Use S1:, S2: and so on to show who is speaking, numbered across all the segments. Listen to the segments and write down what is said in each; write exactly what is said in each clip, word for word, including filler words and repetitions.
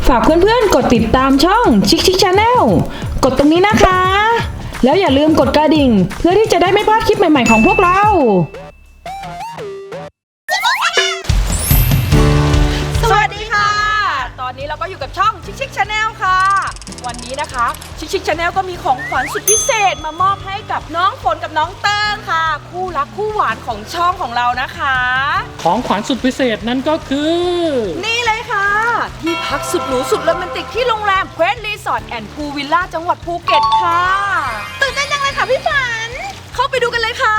S1: ฝากเพื่อนๆกดติดตามช่องชิคชิคชาแนลกดตรงนี้นะคะแล้วอย่าลืมกดกระดิ่งเพื่อที่จะได้ไม่พลาดคลิปใหม่ๆของพวกเราสวัสดีค่ะตอนนี้เราก็อยู่กับช่องชิคชิคชาแนลค่ะวันนี้นะคะชิคชิคชาแนลก็มีของขวัญสุดพิเศษมามอบให้กับน้องฝนกับน้องเติ้งค่ะคู่รักคู่หวานของช่องของเรานะคะ
S2: ของขวัญสุดพิเศษนั่นก็คือ
S1: นี่เลยค่ะที่พักสุดหรูสุดโรแมนติกที่โรงแรมเควสรีสอร์ทแอนด์พูลวิลล่าจังหวัดภูเก็ตค่ะตื่นเต้นจังเลยค่ะพี่ฝันเข้าไปดูกันเลยค่ะ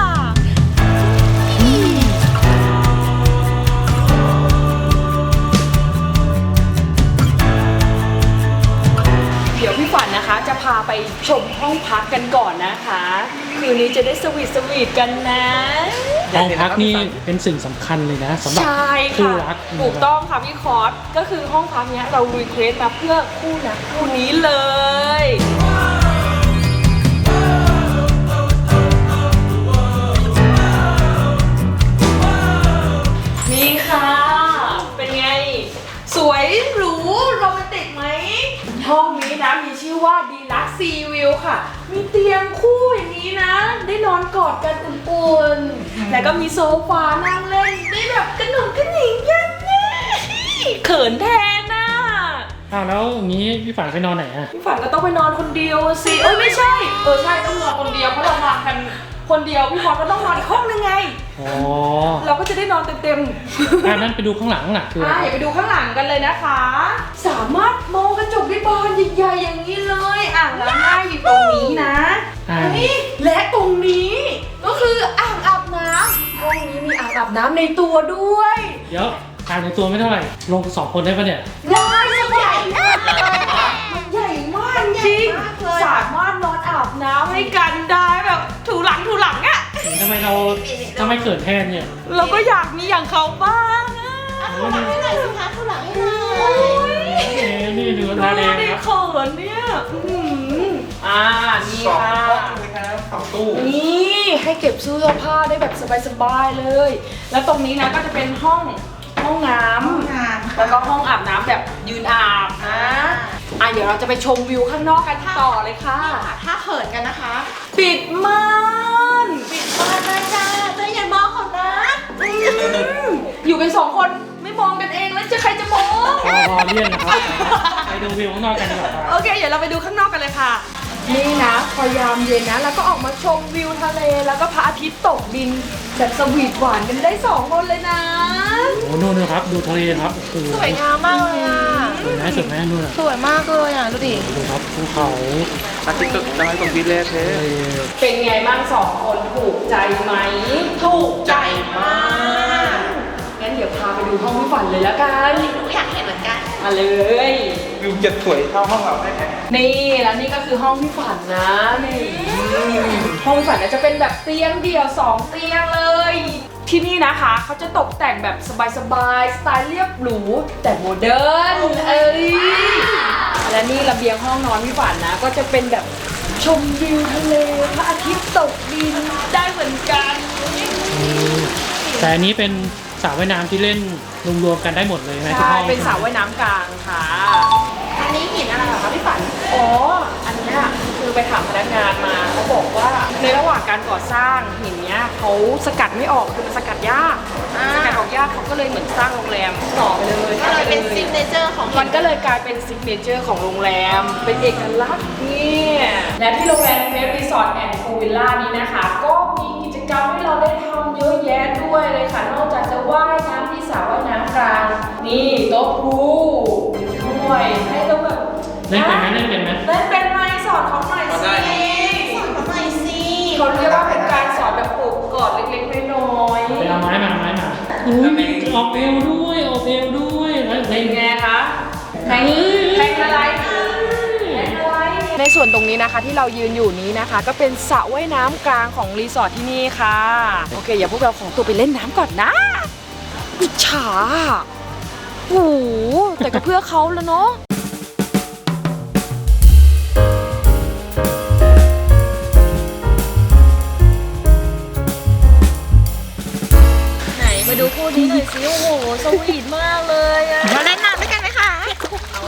S1: เดี๋ยวพี่ฝันนะคะจะพาไปชมห้องพักกันก่อนนะคะคืนนี้จะได้สวีทสวีทกันนะ
S2: ห้องพักนี่เป็นสิ่งสำคัญเลยนะสำหรับคู่รัก
S1: ถูกต้องค่ะพี่คอสก็คือห้องพักเนี้ยเรารีเควสมาเพื่อคู่รักคู่นี้เลยนี่ค่ะเป็นไงสวยหรูโรแมนติกไหมห้องนี้นะมีชื่อว่าดีลักซ์ซีวิวค่ะมีเตียงคู่อย่างนี้นะได้นอนกอดกันอุ่นๆแล้วก็มีโซฟานั่งเล่นได้แบบกระหนุ่มกระหนิงกันนี่เขินแทนน่ะ
S2: อ้าวแล้วอย่างนี้พี่ฝันไปนอนไหนอะ
S1: พี่ฝันก็ต้องไปนอนคนเดียวสิเอ้ยไม่ใช่เออใช่ต้องนอนคนเดียวเพราะเรามากันคนเดียวพี่ฟอนก็ต้องนอนอีกห้องนึงไงอ๋อเราก็จะได้นอนเต็ม
S2: ๆอ่ะนั้นไปดูข้างหลังน่ะคือ
S1: อ่ะอย่าไปดูข้างหลังกันเลยนะคะสามารถมองกระจกได้บานใหญ่ๆอย่างนี้เลยอ่างล้างหน้าอยู่ตรงนี้นะนี่และตรงนี้ก็คืออ่างอาบน้ำห้องนี้มีอ่างอาบน้ำในตัวด้วย
S2: เดี๋ยวอ่างในตัวไม่เท่าไหร่ลงสองคนได้ปะเนี่ย
S1: ได้ใหญ่มากมันใหญ่มากจริงสามารถนอนอาบน้ำให้กันได้แบบถูหลังถูหลังอ่ะ
S2: ทำไมเราทำไมเกิดแทนเนี่ย
S1: เราก็อยากมีอย่างเขาบ้างอ่ะ
S3: ถูหลังให้หน่อยสิคะถูหลังให้หน่
S2: อยนี่ดูตาแดงครับ
S1: เขินเนี่ยอ่านี่ค่ะ
S3: สองตู้
S1: นี่ให้เก็บเสื้อผ้าได้แบบสบายๆเลยแล้วตรงนี้นะก็จะเป็นห้องห้องน้ำแล้วก็ห้องอาบน้ำแบบยืนอาบนะอ่ะเดี๋ยวเราจะไปชมวิวข้างนอกกันต่อเลยค่ะ
S3: ถ้าเขินกันนะคะ
S1: ปิดม่าน
S3: ปิดม่านนะจ้าเจ้าอย่ามองเขานะ
S1: อยู่กันสองคนไม่มองกันเองแล้วจะใครจะมอง
S2: พอพอเลี่ยนนะครับไปดูวิวข้างนอกกันดีกว่า
S1: โอเคเดี๋ยวเราไปดูข้างนอกกันเลยค่ะนี่นะพอยามเย็นนะแล้วก็ออกมาชมวิวทะเลแล้วก็พระอาทิตย์ตกดินแบบสวีทหวานกันได้สองคนเลยนะ
S2: โอ้นู่นนะครับดูทะเลครับ
S3: สวยงามมากเลยอ่ะ
S2: สวยไหมสวยไหมนู่น
S3: สวยมากเลยอ่ะดูดิ
S2: ดูครับภูเขา
S4: อาทิตย์ตกได้ตรงที่แรกเลย
S1: เป็นไงบ้างสองคนถูกใจไหม
S3: ถูกใจมาก
S1: งั้นเดี๋ยวพาไปดูห้องพี่ฝันเลยแล้วกัน
S3: หนูอยากเห็นเหมือนกัน
S1: มาเลย
S4: วิวจะสวยเท่าห้องเราได้ไหม
S1: นี่แล้วนี่ก็คือห้องพี่ฝันนะนี่ห้องพี่ฝันจะเป็นแบบเตียงเดี่ยวสองเตียงเลยที่นี่นะคะเขาจะตกแต่งแบบสบายๆสไตล์เรียบหรูแต่โมเดิร์นเอ้ยและนี่ระเบียงห้องนอนพี่ฝันนะก็จะเป็นแบบชมวิวทะเลพระอาทิตย์ตกดินได้เหมือนกัน
S2: แต่อันนี้เป็นสระว่ายน้ำที่เล่นรวมๆกันได้หมดเลยนะทุกห้อง
S1: เป็นสระว่ายน้ำกลางค่ะ
S3: อันนี้หินอะไรเหรอคะพี่ฝัน
S1: อ๋ออันนี้คือไปถามพนักงานมาเขาบอกว่าในระหว่างการก่อสร้างหินเนี้ยเขาสกัดไม่ออกคือมันสกัดยากสกัดออกยากเขาก็เลยเหมือนสร้างโรงแรมต่อไปเลย
S3: ก็เลยเป็นซิกเนเจอร์ของ
S1: มันก็เลยกลายเป็นซิกเนเจอร์ของโรงแรมเป็นเอกลักษณ์นี่และที่โรงแรมเควสรีสอร์ทแอนด์พูลวิลล่านี้นะคะก็มีกิจกรรมให้เราได้ทำเยอะแยะด้วยเลยค่ะนอกจากจะว่ายน้ำที่สระว่ายน้ำกลางนี่โต๊ะพูลด้วยให้เราแบบ
S2: เล่นเป็นไหมเล่นเป็นไหม
S1: เล่นเป็นไหมสอนเขาหน่อยสิ
S3: สอนเขาหน่อยสิ
S1: เขาเรียกว่าเป็นการสอนแบบปลูกกอดเล็กๆน้อยๆ
S2: ไปเอาไม้มาไม้มาอุ้ยมีออกเอวด้วยออกเอวด้วย
S1: เป็นไงคะแทงแทงอะไรในส่วนตรงนี้นะคะที่เรายืนอยู่นี้นะคะก็เป็นสระว่ายน้ำกลางของรีสอร์ทที่นี่ค่ะโอเคอย่าพวกเราของตัวไปเล่นน้ำก่อนนะอิจฉาโอ้โหแต่ก็เพื่อเขาแล้วเนาะไหนมาดูคู่นี้หน่อยสิโอ้โหสวีทมากเลยอะ
S3: มาเล่นน้ำด้วยกันไหมคะ
S1: เอา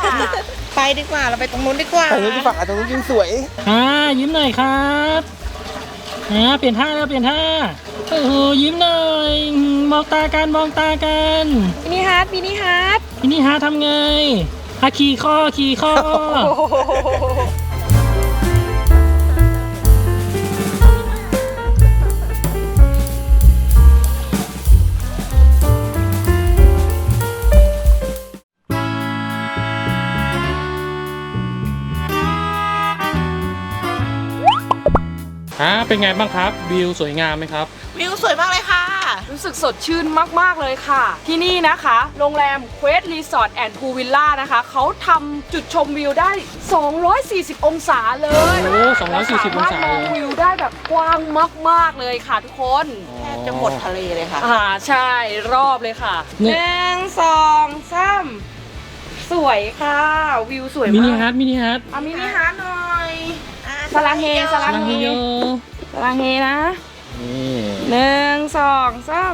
S3: ไปดีกว่าเราไปตรงนู้นดีกว่า
S4: แต่นี่ที่ฝั่งอาจจะยิ่งสวย
S2: อ่ายิ้มหน่อยครับอ่าเปลี่ยนท่าแล้วเปลี่ยนท่าโอ้โหยิ้มหน่อยมองตากันมองตากัน
S1: มินิฮาร์ดมินิฮาร์ด
S2: ทีนี้หาทำไงอาขี่ข้อขี่ข้อ อ่าเป็นไงบ้างครับวิวสวยงามไหมครับ
S3: วิวสวยมากเลยค่ะ
S1: รู้สึกสดชื่นมากๆเลยค่ะ ที่นี่นะคะ โรงแรม Quest Resort and Pool Villa นะคะเขาทำจุดชมวิวได้ สองร้อยสี่สิบ องศาเลย
S2: โอ้สองร้อยสี่สิบองศา
S1: สมรถมองวิวได้แบบกว้างมากๆเลยค่ะทุกคน
S3: แทบจะหมดทะเลเลยค่ะ
S1: อ่าใช่รอบเลยค่ะห
S2: เนี่ย
S1: นึ่งสองสามสวยค่ะ วิวสวย
S2: มินิ
S1: มาก
S2: ฮาร์ดมินิฮาร์ด
S1: เอามินิฮาร์ดหน่อย
S3: อ่ะ
S1: สลังเฮสลั
S2: ลังเฮโย
S1: สลังเฮนะ
S2: นี่
S1: หนึ่งสองสาม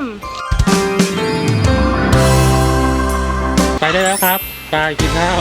S2: ไปได้แล้วครับไปกินข้าว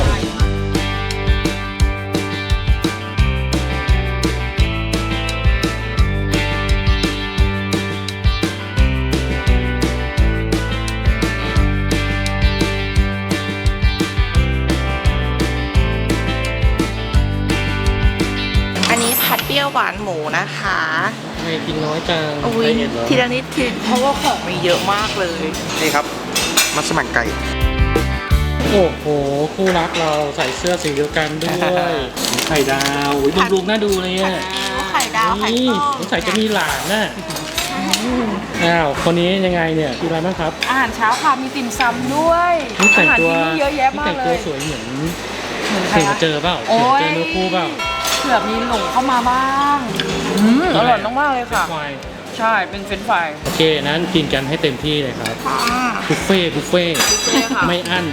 S3: อันนี้ผัดเปรี้ยวหวานหมูนะคะ
S2: ไม่กินน้อยจัง
S3: อุ้ย
S2: ไดเอทเหรอ
S3: ทีละนิดทีเพราะว่าของมีเยอะมากเลย
S4: นี่ครับ มัสมั่นไก่
S2: โอ้โหคู่รักเราใส่เสื้อสีเดียวกันด้วยไข่ดาวอุ้ยบำรุงน่าดูเลยอ่ะ
S3: ไข่ดาวไข่
S2: นี่
S3: ต้ม
S2: สงสัยจะมีหลานน่ะอ้าวคนนี้ยังไงเนี่ยกินอะไรบ้างครับ
S1: อาหารเช้าค่ะมีติ่มซำด้วย
S2: นี่แต่
S1: อาง หาร
S2: ตัว
S1: ที่นี่เยอะแยะ
S2: นี่
S1: มาก
S2: แต่ง
S1: เล
S2: ตัวย สวยเหมือน
S1: เหมือนใคร
S2: เสือ
S1: คะ
S2: เจอเปล่า
S1: โอ้
S2: เสือย เจอเนื้อคู่เปล่า
S1: เผื่อมีหลงเข้ามาบ้างอืมอร่อยมากๆเลยค่ะ
S2: ควาย
S1: ใช่เป็นเฟรนช์ฟราย
S2: โอเคนั้นกินกันให้เต็มที่เลยครับ
S3: ค่ะ
S2: บุฟเฟ่ต์บุฟเฟ่ต์
S1: บุฟเฟ่ต์ค่ะ
S2: ไม่อั้น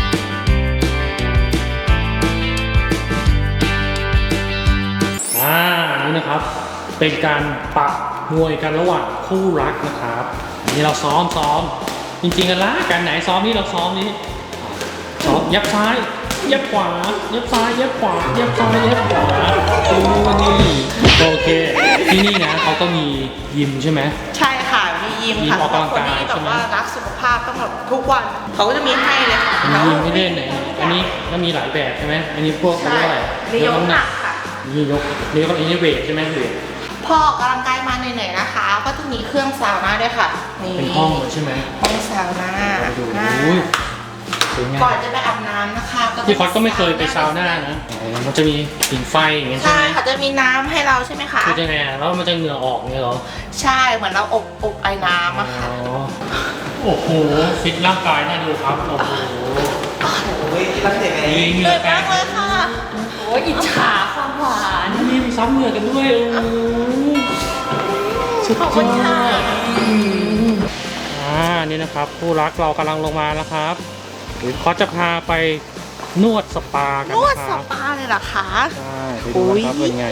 S2: อ่านี่นะครับ เป็นการปะมวยกันระหว่างคู่รักนะครับอันนี่เราซ้อมซ้อมจริงๆกันละการไหนซ้อมนี่เราซ้อมนี่ซ้อมยับซ้ายยับขวายับซ้ายยับขวายับซ้ายยับขวาดูนี่โอเคที่นี่นะเขาก็มียิมใช่ไหม
S3: ใช่ค่ะ มียิมค่ะ
S2: ยิมออกกำลัง
S3: คน
S2: กาย
S3: ที่แบ
S2: ใช่
S3: บ
S2: ไหม
S3: ว่ารักสุขภาพต้องแบบทุกวัน เขาก็จะมีให้เลยค่ะ
S2: มียิมให้เล่นไหนอันนี้ก็มีหลายแบบใช่ไหมอันนี้พวกเขา
S3: ใช่
S2: เรียกว่าอะไร
S3: มียกน้ำหนักค่ะ
S2: นี่ยกนี่ก็อันนี้เวทใช่ไหมเวท
S3: พอออกกำลังกายมาเหนื่อยๆนะคะ ก็จะมีเครื่องซาวน่าด้วยค่ะนี่
S2: เป็นห้องเลยใช่ไหม
S3: ห้องซาวน่า
S2: ดู
S3: อ่า
S2: อุ้ยสวยงา
S3: ก่อ
S2: ม
S3: นจะไปอาบน้ำนะคะจะ
S2: พี่คอสก็ไม่เคยไปซาวน่านะอ๋อมันจะมีหิ่งไฟอย่างเงี้ยใช่
S3: ใช่
S2: ไหม
S3: ค่ะจะมีน้ำให้เราใช่ไหมคะ
S2: คือยังไงอะแล้วมันจะเหงื่อออกเงี้ยเหรอ
S3: ใช่ เหมือนเราอบอบไอ้น้ำอะค่ะ
S2: อ๋อโอ้โหฟิตร่างกายน่าดูครับโอ้โห
S4: โอ้ยรักเด็กไง
S2: มีเห
S3: เห
S2: งื่
S3: นื่
S2: อ
S3: อย
S2: แต
S3: มาก กเลยค่ะ
S1: โอ้ยอิจฉาความหวาน
S2: มีซ้ำเหงื่อกันด้วยโอ้โหสุด
S3: ขอบคุณ
S2: ยอ
S3: ค่ะ
S2: ดอ่านี่นะครับคู่รักเรากำลังลงมาแล้วครับเดี๋ยวเขาจะพาไปนวดสปากัน
S3: นวด
S2: นะค
S3: ส
S2: รับ
S3: ปาเลยเหรอคะ
S2: ใช่ไปดูกันครับเป็นไง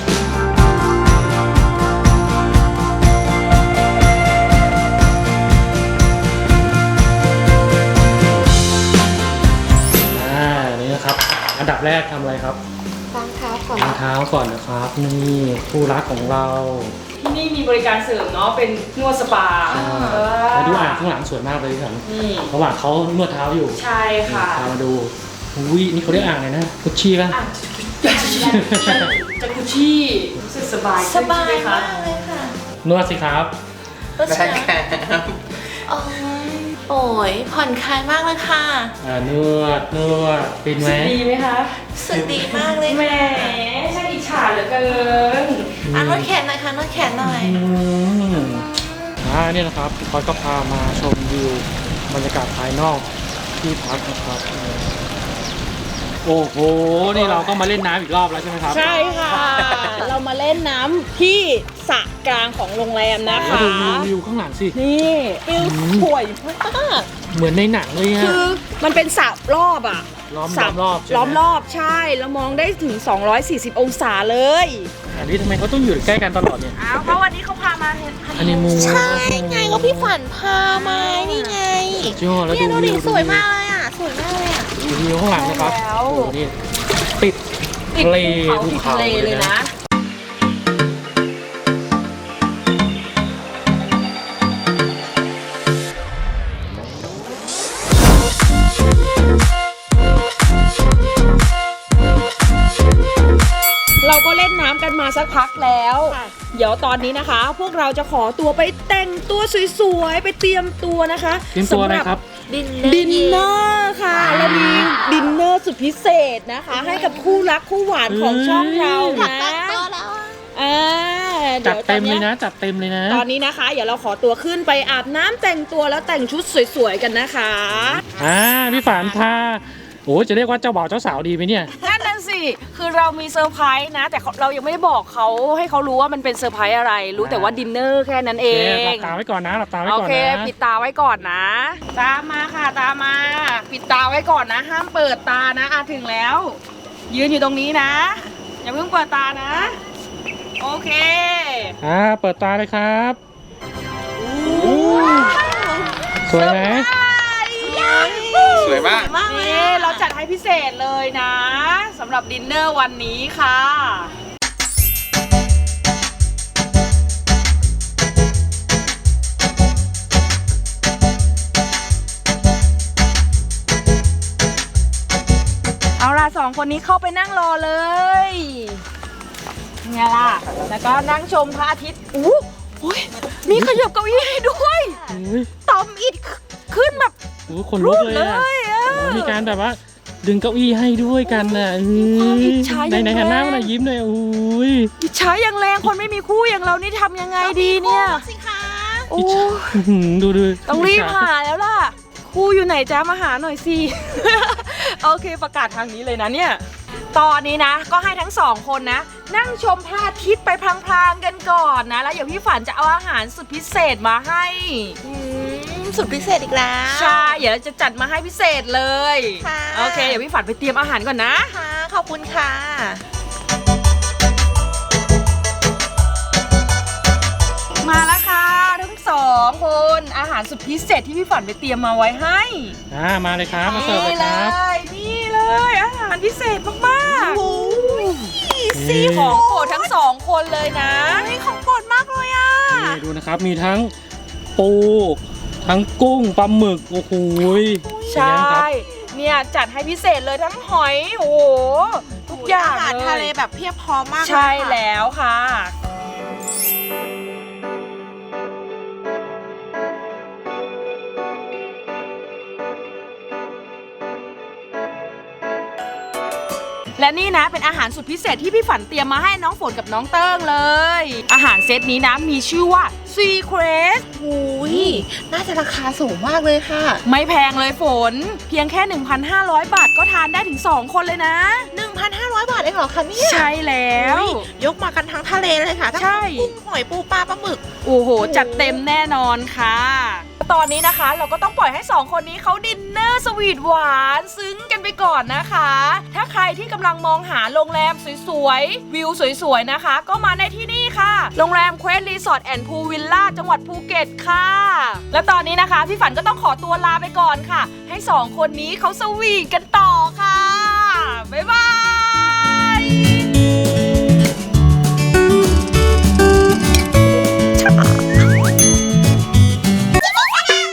S2: อ่า นี่นะครับ อันดับแรกทำอะไรครับ
S3: ล้างเท้าก่อน
S2: ล้างเท้าก่อนนะครับ นี่คู่รักของเรา
S1: ที่นี่มีบริการเสริมเนาะเป็นนวดสปาเออ
S2: ไปดูอ่างข้างหลังสวยมากเลยครับ
S1: นี่
S2: ระหว่างเขานวดเท้าอยู่
S1: ใช่ค่ะ
S2: พามาดูอุ้ยนี่เขาเรียกอ่างอะไรนะกุชชี่ป่ะ
S1: อ่ะจะคุชชี่รู้สึกสบาย
S3: ส
S1: ขึ้น
S3: บา
S1: ใช่
S3: ย
S1: ไหม
S3: มา
S1: คะ
S3: กเลยค่ะ
S2: นวดสิครับ
S3: ก็
S4: ได้
S3: ใช่
S4: แค่
S3: โอ้ยโอ้ยผ่อนคลายมากเลยค่ะ
S2: อ่านวดนวดเป็นไหม
S1: ดีไหมคะ
S3: รู้สึกดีมากเลย
S1: แหม
S3: ค่ะ
S1: ช่างอิจฉาเหลือเกิน
S3: อ่ะนวดแขนหน่อยค่ะนวดแขนหน่อย
S2: อืมอ่าเนี่ยนะครับพี่คอยก็พามาชมวิวบรรยากาศภายนอกที่พักนะครับโอ้โหนี่เราก็มาเล่นน้ำอีกรอบแล้วใช่ไหมครับ
S1: ใช่ค่ะ เรามาเล่นน้ำที่สระกลางของโรงแรมนะคะ
S2: ดูวิววิวข้างหลังสิ
S1: นี่วิวสวยมาก
S2: เหมือนในหนังเลยอะ
S1: คือมันเป็นสระรอบอ่ะ
S2: ล้อม
S1: สระ
S2: รอบใช่ไหม
S1: ล้อมรอบใช่ แล้วมองได้ถึง สองร้อยสี่สิบ องศาเลย
S2: อันนี้ทำไมเขาต้องอยู่ใกล้กันตลอดเนี่ย
S1: อ้าวเพราะวันนี้เขาพามา
S2: อันนี้มู
S3: ใช่ไงก็พี่ฝันพามานี่ไง
S2: ยอดแล้ว
S3: เนี่ย
S2: ดู
S3: ดู
S2: วิ
S3: ดิ
S2: ว
S3: สวยมากเลยอ่ะ สวยมากเลยอ่ะ
S2: อวิวข้างหลังนะครับ
S1: แล้ว
S2: โอ้โหนี่ติด
S1: ติด
S2: ทะเล
S1: ภูเขาติดทะเลเลยนะ เราก็เล่นน้ำกันมาสักพักแล้ว เดี๋ยวตอนนี้นะคะ พวกเราจะขอตัวไปแต่งตัวสวยๆ ไปเตรียมตัวนะคะ
S2: เตรียมตัวอะไรครับ
S3: ดิน
S1: ดินเนอร์ค่ะเรามีดินเนอร์สุดพิเศษนะคะ ให้กับคู่รักคู่หวานของช่องเรานะ
S3: ตัวแล้วอะ
S1: อ่า
S2: จัด
S1: ยว
S2: เต็ม
S1: ตอ
S2: เลยนะ จัดเต็มเลยนะ
S1: ตอนนี้นะคะ เดี๋ยวเราขอตัวขึ้นไปอาบน้ำแต่งตัวแล้วแต่งชุดสวยๆกันนะคะ
S2: อ่าพี่ฝันพาโอ้จะเรียกว่าเจ้าบ่าวเจ้าสาวดีไหมเนี่ย
S1: นั่นน่ะสิ คือเรามีเซอร์ไพรส์นะ แต่เรายังไม่ได้บอกเขาให้เขารู้ว่ามันเป็นเซอร์ไพรส์อะไร รู้แต่ว่าดินเนอร์แค่นั้นเอ
S2: โอเคหลั
S1: ง
S2: บตาไว้ก่อนนะหลับตาไว้
S1: โอ
S2: ก่อน
S1: เค
S2: นะ
S1: ปิดตาไว้ก่อนนะ ตามมาค่ะ ตามมา ปิดตาไว้ก่อนนะ ห้ามเปิดตานะอาถึงแล้ว ยืนอยู่ตรงนี้นะ อย่าเพิ่งเปิดตานะ โอเค
S2: อ่าเปิดตาเลยครับสวยไหม
S4: สวยมาก
S3: มากเลย
S1: นี่
S3: อะ
S1: เราจัดให้พิเศษเลยนะสำหรับดินเนอร์วันนี้ค่ะ เอาล่ะสองคนนี้เข้าไปนั่งรอเลยไงล่ะ แล้วก็นั่งชมพระอาทิตย์อู้หูยมีขยับเก้าอี้ให้ด้วย
S2: โอ้ย
S1: ต่อมอิดขึ้นแบบ
S2: โอ้ยขนลุกเลย
S1: เล
S2: อะ
S1: ยอะ
S2: โอ้ยมีการแบบว่าดึงเก้าอี้ให้ด้วยกันน่ะเอ้
S1: ความอิ
S2: ย
S1: จฉา
S2: ในใน
S1: อย่าง
S2: หันหน้า
S1: แรง
S2: มาหน่อยยิ้มหน่อยโอ้ย
S1: อิจฉาอย่างแรงคนไม่มีคู่อย่างเรานี่ทำยังไงดีเนี่ย
S3: สิคะ
S1: โอ้
S2: อื้อหือดูดู
S1: ต้องรีบหาแล้วล่ะ คู่อยู่ไหนจ้ามาหาหน่อยสิ โอเคประกาศทางนี้เลยนะเนี่ย ตอนนี้นะ ก็ให้ทั้งสองคนนะ นั่งชมพระอาทิตย์ไปพลางๆกันก่อนนะ แล้วเดี๋ยวพี่ฝันจะเอาอาหารสุดพิเศษมาให้
S3: อืมสุดพิเศษอีกแล้ว
S1: ใช่ เดี๋ยวจะจัดมาให้พิเศษเลย
S3: ค่ะ
S1: โอเคเดี๋ยวพี่ฝันไปเตรียมอาหารก่อนนะ
S3: ค่ะขอบคุณค่ะ
S1: มาแล้วค่ะทั้งสองคนอาหารสุดพิเศษที่พี่ฝันไปเตรียมมาไว้ให้
S2: อ่ามาเลยครับมาเสิร์ฟเลยครับ
S1: นี่เลยอาหารพิเศษมากๆ
S3: โอ้ย
S1: ซีของโปรดทั้งสองคนเลยนะ
S3: นี่ของโปรดมากเลยอ่ะ
S2: นี่ดูนะครับมีทั้งปูทั้งกุ้งปลาหมึกโอ้โหย
S1: ใช่
S2: เป็นไงครับ
S1: เนี่ยจัดให้พิเศษเลยทั้งหอยโอ้โหทุกอย่าง
S3: อาหาร
S1: เลย
S3: ทะเลแบบเพียบพร้อมมากเลย
S1: ใช่
S3: ค่ะ
S1: แล้วค่ะ และนี่นะเป็นอาหารสุดพิเศษที่พี่ฝันเตรียมมาให้น้องฝนกับน้องเติ้งเลย อาหารเซตนี้นะมีชื่อว่า Secret
S3: หูยน่าจะราคาสูงมากเลยค่ะ
S1: ไม่แพงเลยฝน เพียงแค่ หนึ่งพันห้าร้อย บาทก็ทานได้ถึง สอง คนเลยนะ
S3: หนึ่งพันห้าร้อย บาทเองเหรอคะเนี่ย
S1: ใช่แล้ว
S3: อุ๊ยยกมากันทั้งทะเลเลยค่ะทั้ง
S1: ใช่
S3: กุ้งหอยปูปลาปลาหมึก
S1: โอ้โห จัดเต็มแน่นอนค่ะ ตอนนี้นะคะเราก็ต้องปล่อยให้สองคนนี้เขาดินเนอร์สวีทหวานซึ้งกันไปก่อนนะคะ ถ้าใครที่กำลังมองหาโรงแรมสวยๆ วิวสวยๆ นะคะ ก็มาในที่นี่ค่ะ โรงแรมเควสรีสอร์ทแอนด์พูลวิลล่าจังหวัดภูเก็ตค่ะ และตอนนี้นะคะ พี่ฝันก็ต้องขอตัวลาไปก่อนค่ะ ให้สองคนนี้เขาสวีทกันต่อค่ะ บ๊ายบาย